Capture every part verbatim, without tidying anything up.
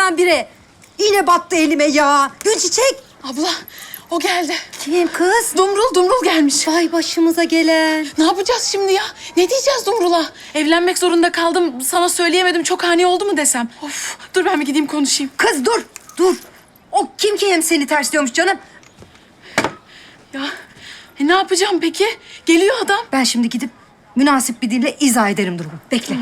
birdenbire. Yine battı elime ya. Gülçiçek. Abla o geldi. Kim kız? Dumrul Dumrul gelmiş. Vay başımıza gelen. Ne yapacağız şimdi ya? Ne diyeceğiz Dumrul'a? Evlenmek zorunda kaldım. Sana söyleyemedim. Çok ani oldu mu desem? Of, dur ben bir gideyim konuşayım. Kız dur, dur. O kim ki hem seni tersliyormuş canım? Ya e, ne yapacağım peki? Geliyor adam. Ben şimdi gidip münasip bir dille izah ederim durumu. Bekle.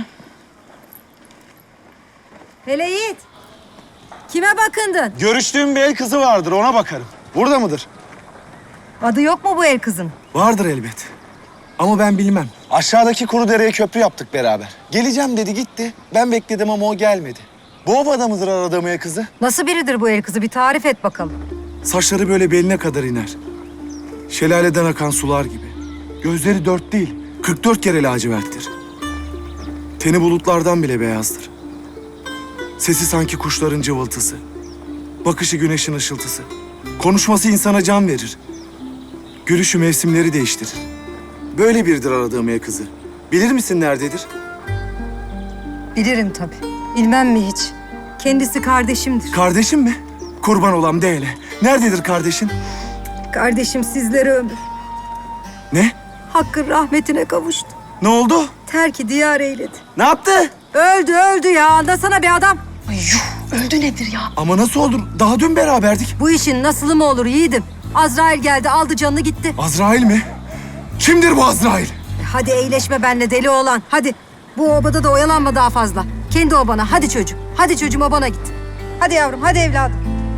Hele Yiğit. Kime bakındın? Görüştüğüm bir el kızı vardır, ona bakarım. Burada mıdır? Adı yok mu bu el kızın? Vardır elbet. Ama ben bilmem. Aşağıdaki kuru dereye köprü yaptık beraber. Geleceğim dedi gitti. Ben bekledim ama o gelmedi. Bu obada mıdır aradığım el kızı? Nasıl biridir bu el kızı? Bir tarif et bakalım. Saçları böyle beline kadar iner. Şelaleden akan sular gibi. Gözleri dört değil, kırk dört kere laciverttir. Teni bulutlardan bile beyazdır. Sesi sanki kuşların cıvıltısı. Bakışı güneşin ışıltısı. Konuşması insana can verir. Gülüşü mevsimleri değiştirir. Böyle biridir aradığım el kızı. Bilir misin nerededir? Bilirim tabii. Bilmem mi hiç? Kendisi kardeşimdir. Kardeşim mi? Kurban olam de hele. Nerededir kardeşin? Kardeşim sizlere ömür. Ne? Hakkın rahmetine kavuştu. Ne oldu? Terki diyar eyledi. Ne yaptı? Öldü öldü ya. Anlasana bir adam. Ay yuh, öldü nedir ya? Ama nasıl olur? Daha dün beraberdik. Bu işin nasılı mı olur yiğidim? Azrail geldi aldı canını gitti. Azrail mi? Kimdir bu Azrail? E, Hadi eğleşme benimle deli oğlan. Hadi. Bu obada da oyalanma daha fazla. Kendi obana. Hadi çocuğum. Hadi çocuğum obana git. Hadi yavrum. Hadi evladım.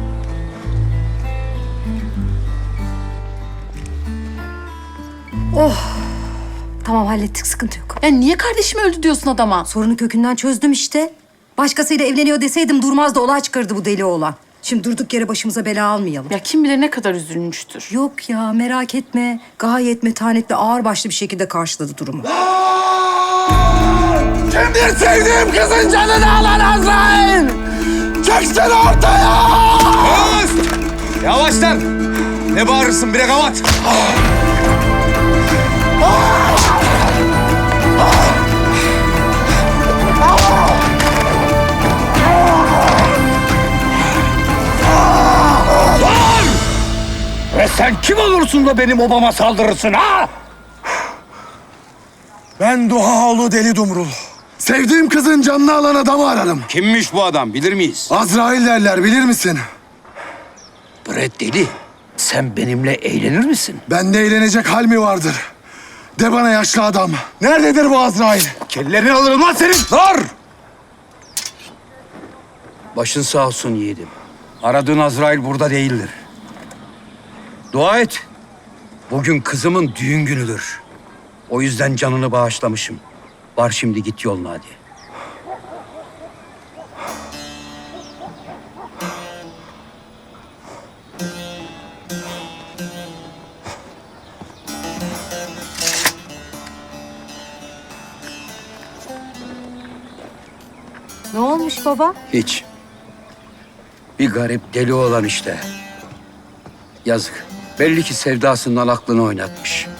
Oh. Tamam hallettik. Sıkıntı yok. Ya niye kardeşim öldü diyorsun adama? Sorunu kökünden çözdüm işte. Başkasıyla evleniyor deseydim durmaz da olay çıkardı bu deli oğlan. Şimdi durduk yere başımıza bela almayalım. Ya kim bilir ne kadar üzülmüştür. Yok ya merak etme. Gayet metanetli ağırbaşlı bir şekilde karşıladı durumu. Kimdir sevdiğim kızın canını alan Azrail? Çıksın ortaya! Öst! Yavaş lan! Ne bağırırsın bre kavat? Ve sen kim olursun da benim obama saldırırsın ha? Ben Duhaoğlu Deli Dumrul. Sevdiğim kızın canını alan adamı ararım. Kimmiş bu adam bilir miyiz? Azrail derler bilir misin? Bre deli, sen benimle eğlenir misin? Bende eğlenecek hal mi vardır? De bana yaşlı adam. Nerededir bu Azrail? Kellerini alırım lan senin! Dur! Başın sağ olsun yiğidim. Aradığın Azrail burada değildir. Dua et. Bugün kızımın düğün günüdür. O yüzden canını bağışlamışım. Var şimdi git yoluna hadi. Ne olmuş baba? Hiç. Bir garip deli olan işte. Yazık. Belli ki sevdasından aklını oynatmış.